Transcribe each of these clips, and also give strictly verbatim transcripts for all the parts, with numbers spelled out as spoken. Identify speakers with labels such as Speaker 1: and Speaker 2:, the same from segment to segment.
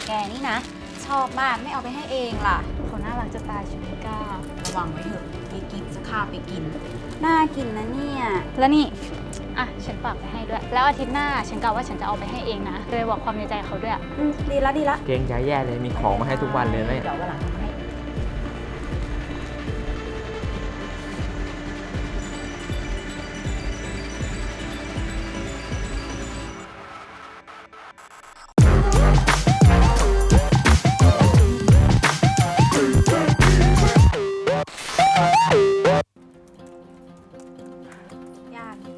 Speaker 1: แกนี่นะชอบมากไม่เอาไปให้เองล่ะ
Speaker 2: เขาน่ารักจะตายชิมิก้า
Speaker 1: ระวังไว้เถอะมีกิ๊บจะฆ่าไปกินน่ากินนะเนี่ย
Speaker 2: แล้วนี่อ่ะฉันฝากไปให้ด้วย แล้วอาทิตย์หน้าฉันกะว่าฉันจะเอาไปให้เองนะเลยบอกความในใจเขาด้วย
Speaker 1: อืมดีละดีละ
Speaker 3: เกรงใจแย่เลยมีของมาให้ทุกวันเลยนะเนี่ย
Speaker 1: เดี๋ยววันหลังทำให้ยากจริง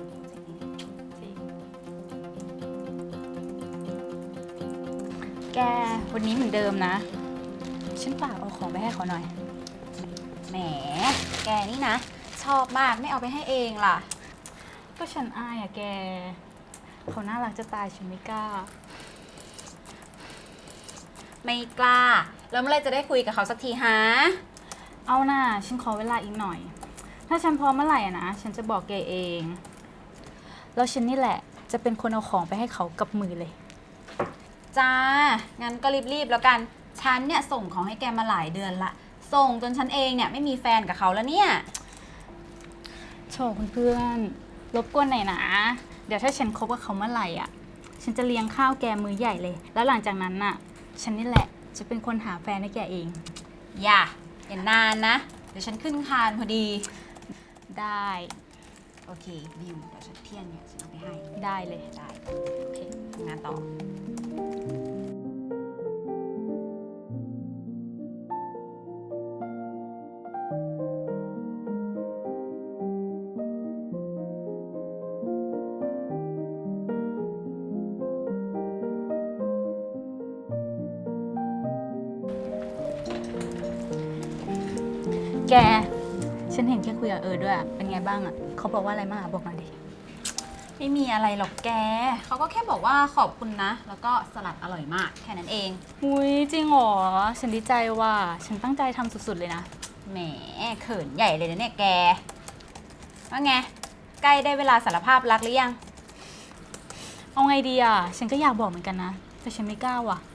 Speaker 1: ๆ
Speaker 2: แกวันนี้เหมือนเดิมนะ ฉันฝากเอาของไปให้เขาหน่อย
Speaker 1: แหม แกนี่นะ ชอบมากไม่เอาไปให้เองล่ะ
Speaker 2: ก็ฉันอายอะแก เขาน่ารักจะตายฉันไม่กล้า
Speaker 1: ไม่กล้า แล้วเมื่อไรจะได้คุยกับเขาสักทีฮะ
Speaker 2: เอาน่ะฉันขอเวลาอีกหน่อย ถ้าฉันพร้อมเมื่อไหร่อะนะ ฉันจะบอกแกเอง แล้วฉันนี่แหละจะเป็นคนเอาของไปให้เขากับมือเลย
Speaker 1: จ้า งั้นก็รีบๆแล้วกัน ฉันเนี่ยส่งของให้แกมาหลายเดือนละ ส่งจนฉันเองเนี่ยไม่มีแฟนกับเขาแล้วเนี่ย
Speaker 2: โชว์คุณเพื่อนรบกวนหน่อยนะ เดี๋ยวถ้าฉันคบกับเขาเมื่อไหร่อ่ะ ฉันจะเลี้ยงข้าวแกมื้อใหญ่เลย แล้วหลังจากนั้นน่ะ ฉันนี่แหละจะเป็นคนหาแฟนให้แกเอง
Speaker 1: อย่าอย่านานนะ เดี๋ยวฉันขึ้นคานพอดี
Speaker 2: ได้
Speaker 1: โอเคดิวเดี๋ยวฉันเที่ยงเนี่ยฉันเอาไปให้
Speaker 2: ได้เลย
Speaker 1: ได้
Speaker 2: โอเค
Speaker 1: ทำงานต่อ
Speaker 2: แก ฉันเห็นแกคุยกับเออด้วยอะเป็นไงบ้างอ่ะ เขาบอกว่าอะไรบ้างอะบอกหน่อยดิ
Speaker 1: ไม่มีอะไรหรอกแก เขาก็แค่บอกว่าขอบคุณนะ แล้วก็สลัดอร่อยมากแค่นั้นเอง
Speaker 2: อุ้ยจริงเหรอ ฉันดีใจว่ะ ฉันตั้งใจทำสุดๆเลยนะ
Speaker 1: แหมเขินใหญ่เลยนะเนี่ยแก ว่าไง ใกล้ได้เวลาสารภาพรักหรือยัง
Speaker 2: เอาไงดีอ่ะ ฉันก็อยากบอกเหมือนกันนะ แต่ฉันไม่กล้าว่ะ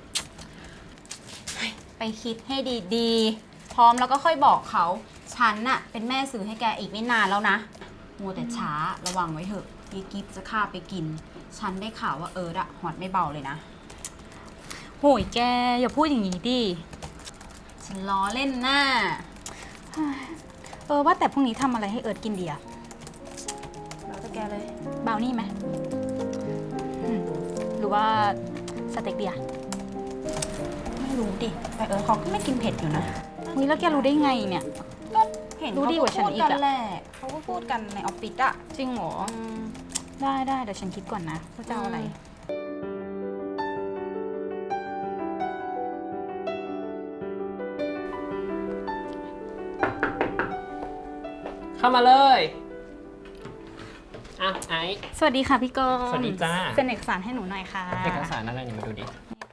Speaker 1: ไปคิดให้ดีๆ พร้อมแล้วก็ค่อยบอกเขา ฉันน่ะเป็นแม่สื่อให้แกอีกไม่นานแล้วนะมัวแต่ช้าระวังไว้เถอะยีกิฟจะฆ่าไปกิน ฉันได้ข่าวว่าเอิร์ดอะหอดไม่เบาเลยนะ
Speaker 2: โหยแก อย่าพูดอย่างนี้ดิ
Speaker 1: ฉันล้อเล่นหน้า
Speaker 2: เออว่าแต่พรุ่งนี้ทำอะไรให้เอิร์ดกินดีอะ
Speaker 1: แล้วแต่แกเลย
Speaker 2: บราวนี่ไหมอืมหรือว่าสเต็กเดีย
Speaker 1: ไม่รู้ดิ แต่เอิร์ดเขาก็ไม่กินเผ็ดอยู่นะ
Speaker 2: อุ้ยแล้วแกรู้ได้ไงเนี่ย
Speaker 1: ก็เห็น
Speaker 2: รู้
Speaker 1: เขา
Speaker 2: ดีก
Speaker 1: ก็
Speaker 2: ว่าฉัน
Speaker 1: พูด
Speaker 2: อีก
Speaker 1: กัน
Speaker 2: อะ
Speaker 1: แหละเขาก็พูดกันในออฟฟิศอะ
Speaker 2: จริงเหรอ
Speaker 1: อืม
Speaker 2: ได้ได้เดี๋ยวฉันคิดก่อนนะว่าจะเอาอะไร
Speaker 3: เข้ามาเลยอ่ะไอซ์
Speaker 2: สวัสดีค่ะพี่กรณ์
Speaker 3: สวัสดีจ้า
Speaker 2: เซ็นเอกสารให้หนูหน่อยค่ะ
Speaker 3: เอกสารอะไรเนี่ยมาดูดิ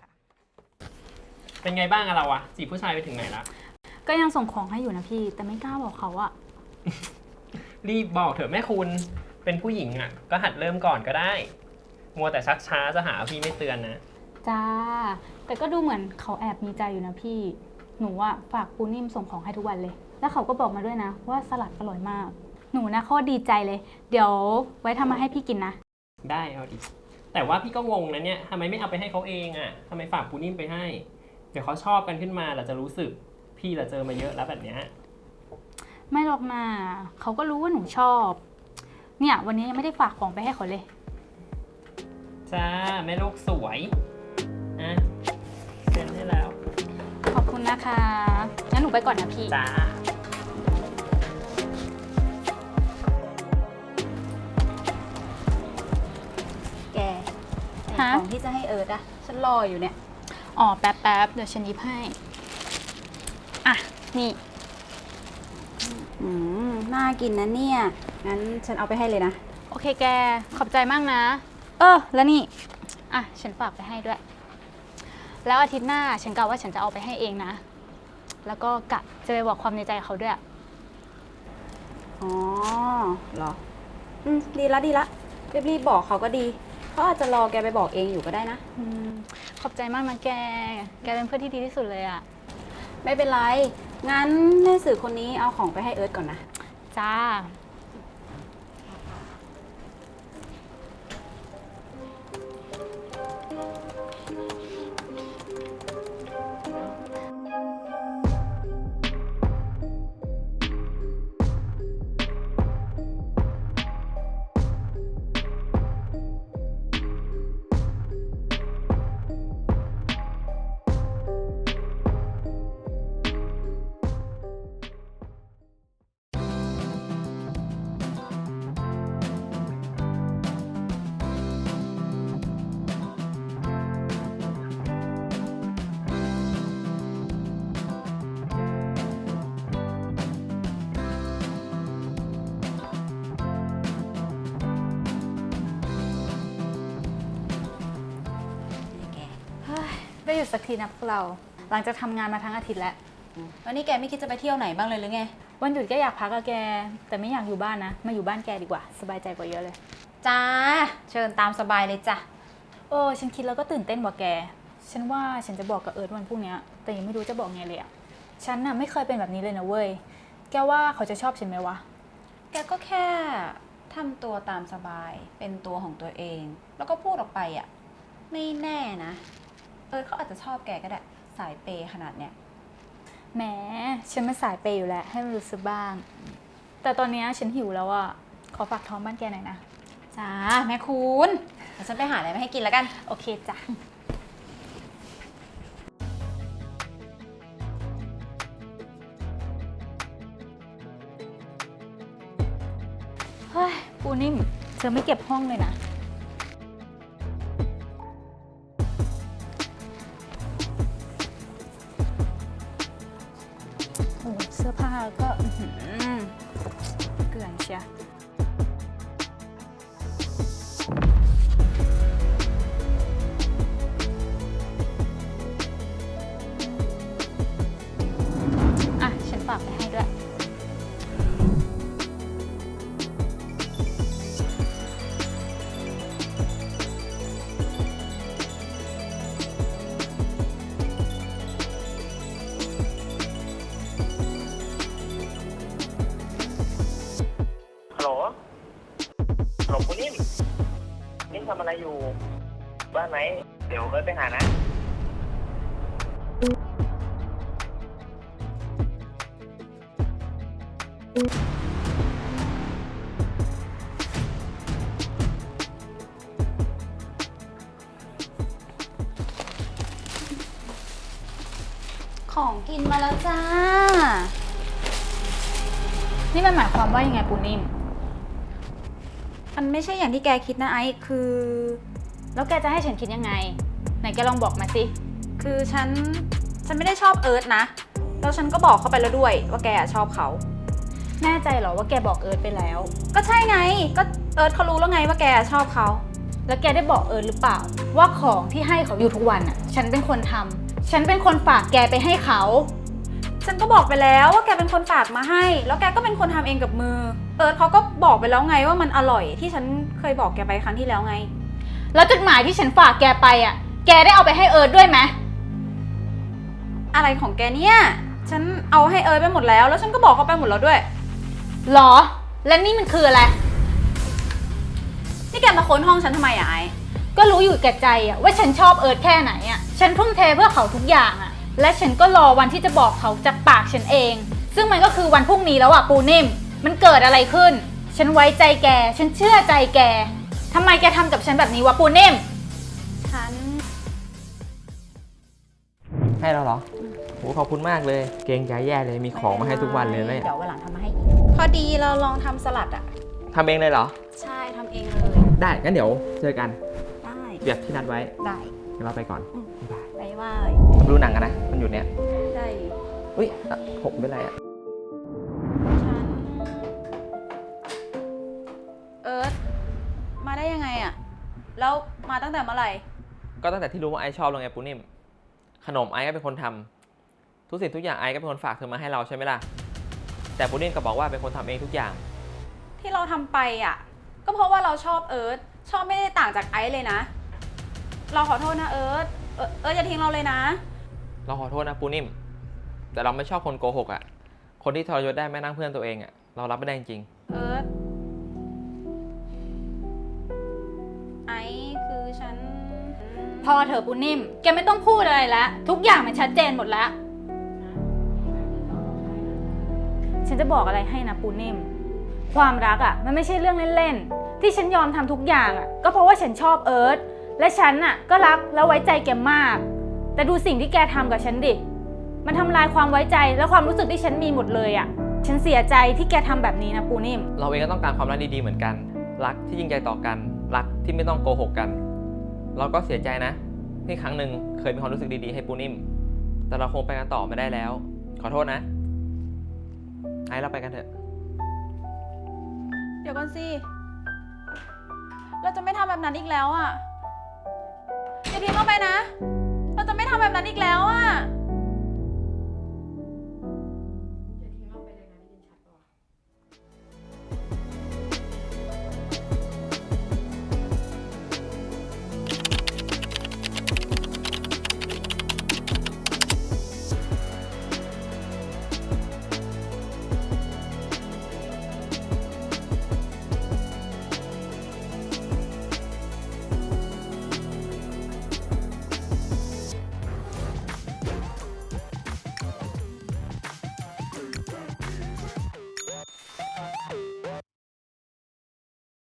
Speaker 3: เป็นไงบ้างอะเราอะจีบผู้ชายไปถึงไหนละ
Speaker 2: ก็ยังส่งของให้อยู่นะพี่ แต่ไม่กล้าบอกเขาอะ
Speaker 3: รีบบอกเถอะแม่คุณเป็นผู้หญิงอะก็หัดเริ่มก่อนก็ได้ มัวแต่ชักช้าจะหาพี่ไม่เตือนนะ
Speaker 2: จ้า แต่ก็ดูเหมือนเขาแอบมีใจอยู่นะพี่ หนูอะฝากปูนิ่มส่งของให้ทุกวันเลย แล้วเขาก็บอกมาด้วยนะ ว่าสลัดอร่อยมาก หนูนะโคตรดีใจเลย เดี๋ยวไว้ทำมาให้พี่กินนะ
Speaker 3: ได้เอาดิแต่ว่าพี่ก็งงนะเนี่ยทำไมไม่เอาไปให้เขาเองอะทำไมฝากปูนิ่มไปให้ เดี๋ยวเขาชอบกันขึ้นมาเราจะรู้สึกพี่เราเจอมาเยอะแล้วแบบเนี้ย
Speaker 2: ไม่หรอกนะเขาก็รู้ว่าหนูชอบ เนี่ยวันนี้ยังไม่ได้ฝากของไปให้เขาเลย
Speaker 3: จ้าแม่ลูกสวยอ่ะเซ็นให้แล้ว
Speaker 2: ขอบคุณนะคะ งั้นหนูไปก่อนนะพี่
Speaker 3: จ้า
Speaker 1: แกไอ้
Speaker 2: ฮะ
Speaker 1: ของที่จะให้เอิร์ดอะฉันรออยู่เนี่ย
Speaker 2: อ๋อแป๊บแป๊บเดี๋ยวฉันหยิบให้ อ่ะ นี่
Speaker 1: อืม น่ากินนะเนี่ย งั้นฉันเอาไปให้เลยนะ
Speaker 2: โอเคแก ขอบใจมากนะ เออ แล้วนี่ อ่ะ ฉันฝากไปให้ด้วย แล้วอาทิตย์หน้าฉันกะว่าฉันจะเอาไปให้เองนะ แล้วก็กะจะไปบอกความในใจเขาด้วย
Speaker 1: อ๋อเหรอ อืม ดีละดีละรีบๆบอกเขาก็ดี เขาอาจจะรอแกไปบอกเองอยู่ก็ได้นะ
Speaker 2: อืมขอบใจมากนะแก แกเป็นเพื่อนที่ดีที่สุดเลยอะ
Speaker 1: ไม่เป็นไร งั้นแม่สื่อคนนี้เอาของไปให้เอิร์ธก่อนนะ
Speaker 2: จ้า เฮ้ย ได้หยุดสักทีนะพวกเรา หลังจากทำงานมาทั้งอาทิตย์แล้ว
Speaker 1: แล้วนี่แกไม่คิดจะไปเที่ยวไหนบ้างเลยหรือไง
Speaker 2: วันหยุดก็อยากพักอะแก แต่ไม่อยากอยู่บ้านนะ มาอยู่บ้านแกดีกว่า สบายใจกว่าเยอะเลย
Speaker 1: จ้า เชิญตามสบายเลยจ้ะ
Speaker 2: โอ้ฉันคิดแล้วก็ตื่นเต้นกว่าแก ฉันว่าฉันจะบอกกับเอิร์ธวันพรุ่งนี้ แต่ยังไม่รู้จะบอกไงเลยอะฉันน่ะไม่เคยเป็นแบบนี้เลยนะเว้ย แกว่าเขาจะชอบฉันไหมวะ
Speaker 1: แกก็แค่ทำตัวตามสบาย เป็นตัวของตัวเอง แล้วก็พูดออกไปอ่ะ ไม่แน่นะ เอิร์ธเขาอาจจะชอบแกก็ได้ สายเปย์ขนาดเนี้ย
Speaker 2: แหม ฉันไม่สายเปย์อยู่แล้วให้มันรู้สึกบ้าง แต่ตอนนี้ฉันหิวแล้วอะขอฝากท้องบ้านแกหน่อยนะ
Speaker 1: จ้า แม่คุณเดี๋ยวฉันไปหาอะไรมาให้กินแล้วกัน
Speaker 2: โอเคจ้ะ เฮ้ย ปูนิ่ม เธอไม่เก็บห้องเลยนะ โอ้เสื้อผ้าก็อื้อหือเกลื่อนเชีย อ่ะ ฉันฝากไปให้ด้วย
Speaker 3: ฮัลโหล ฮัลโหลคุณนิ่มนิ่มทำอะไรอยู่ บ้านไหม เดี๋ยวเอิร์ธไปหานะ
Speaker 1: ของกินมาแล้วจ้า
Speaker 2: นี่มันหมายความว่ายังไงปูนิ่ม
Speaker 1: มันไม่ใช่อย่างที่แกคิดนะไอซ์คือ
Speaker 2: แล้วแกจะให้ฉันคิดยังไง ไหนแกลองบอกมาสิ
Speaker 1: คือฉัน ฉันไม่ได้ชอบเอิร์ธนะ แล้วฉันก็บอกเขาไปแล้วด้วยว่าแกอะชอบเขา
Speaker 2: แน่ใจเหรอว่าแกบอกเอิร์ธไปแล้ว
Speaker 1: ก็ใช่ไง ก็เอิร์ธเขารู้แล้วไงว่าแกชอบเขา
Speaker 2: แล้วแกได้บอกเอิร์ธหรือเปล่า ว่าของที่ให้เขาอยู่ทุกวันอ่ะ ฉันเป็นคนทำ ฉันเป็นคนฝากแกไปให้เขา
Speaker 1: ฉันก็บอกไปแล้วว่าแกเป็นคนฝากมาให้ แล้วแกก็เป็นคนทำเองกับมือ เอิร์ธเขาก็บอกไปแล้วไงว่ามันอร่อยที่ฉันเคยบอกแกไปครั้งที่แล้วไง
Speaker 2: แล้วจดหมายที่ฉันฝากแกไปอ่ะ แกได้เอาไปให้เอิร์ธด้วยไหม
Speaker 1: อะไรของแกเนี่ย ฉันเอาให้เอิร์ธไปหมดแล้ว แล้วฉันก็บอกเขาไปหมดแล้วด้วย
Speaker 2: หรอ และนี่มันคืออะไร
Speaker 1: นี่แกมาค้นห้องฉันทำไมอะไอซ์
Speaker 2: ก็รู้อยู่แก่ใจอ่ะว่าฉันชอบเอิร์ธแค่ไหนอ่ะ ฉันทุ่มเทเพื่อเขาทุกอย่างอ่ะ และฉันก็รอวันที่จะบอกเขาจากปากฉันเอง ซึ่งมันก็คือวันพรุ่งนี้แล้วอ่ะปูนิ่ม มันเกิดอะไรขึ้น ฉันไว้ใจแก ฉันเชื่อใจแกทำไมแกทำกับฉันแบบนี้วะปูนิ่ม
Speaker 1: ฉัน
Speaker 4: ให้เราเหรอโหขอบคุณมากเลย เกรงใจแย่เลย มีของมาให้ทุกวันเลยเนี่ย
Speaker 1: เดี๋ยววันหลังทำมาให้อีกพอดีเราลองทำสลัดอะ
Speaker 4: ทำเองเลยเหรอ
Speaker 1: ใช่ทำเองเลย
Speaker 4: ได้ งั้นเดี๋ยวเจอกัน
Speaker 1: ได้
Speaker 4: แบบที่นัดไว้
Speaker 1: ได้
Speaker 4: เดี๋ยวเราไปก่อนบ๊ายบาย
Speaker 1: ได้ว่า
Speaker 4: ดูหนังกันนะ มันอยู่เนี้ย
Speaker 1: ได้
Speaker 4: อุ้ยอ่ะผมเป็นไรอ่ะ
Speaker 1: ฉัน เอิร์ธมาได้ยังไงอะแล้วมาตั้งแต่เมื่อไหร่
Speaker 4: ก็ตั้งแต่ที่รู้ว่าไอซ์ชอบลงไงปูนิ่ม ขนมไอซ์ก็เป็นคนทำทุกสิ่งทุกอย่างไอซ์ก็เป็นคนฝากเธอมาให้เราใช่ไหมล่ะ แต่ปูนิ่มก็บอกว่าเป็นคนทำเองทุกอย่าง
Speaker 1: ที่เราทำไปอะก็เพราะว่าเราชอบเอิร์ธชอบไม่ได้ต่างจากไอซ์เลยนะ เราขอโทษนะเอิร์ธเออเอออย่าทิ้งเราเลยนะ
Speaker 4: เราขอโทษนะปูนิ่ม แต่เราไม่ชอบคนโกหกอะ่ะ คนที่ทรยศได้แม่นั่งเพื่อนตัวเองอะ่ะ เรารับไม่ได้จริง
Speaker 1: เออไอคือฉัน
Speaker 2: พอเถอะปูนิ่ม แกไม่ต้องพูดอะไรแล้ว ทุกอย่างมันชัดเจนหมดแล้ว ฉันจะบอกอะไรให้นะปูนิ่ม ความรักอะ่ะมันไม่ใช่เรื่องเล่นๆ ที่ฉันยอมทำทุกอย่างอะ่ะก็เพราะว่าฉันชอบเอิร์ธและฉันอ่ะก็รักและไว้ใจแกมาก แต่ดูสิ่งที่แกทำกับฉันดิ มันทำลายความไว้ใจและความรู้สึกที่ฉันมีหมดเลยอะ่ะ ฉันเสียใจที่แกทำแบบนี้นะปูนิ่ม
Speaker 4: ๆ เราเองก็ต้องการความรักดีๆเหมือนกัน รักที่จริงใจต่อกัน รักที่ไม่ต้องโกหกกัน เราก็เสียใจนะ ที่ครั้งหนึ่งเคยมีความรู้สึกดีๆให้ปูนิ่ม แต่เราคงไปกันต่อไม่ได้แล้ว ขอโทษนะ ไอ้เราไปกันเถอะ
Speaker 1: เดี๋ยวก่อนสิ เราจะไม่ทำแบบนั้นอีกแล้วอ่ะอย่าทิ้งเราไปนะ เราจะไม่ทำแบบนั้นอีกแล้ว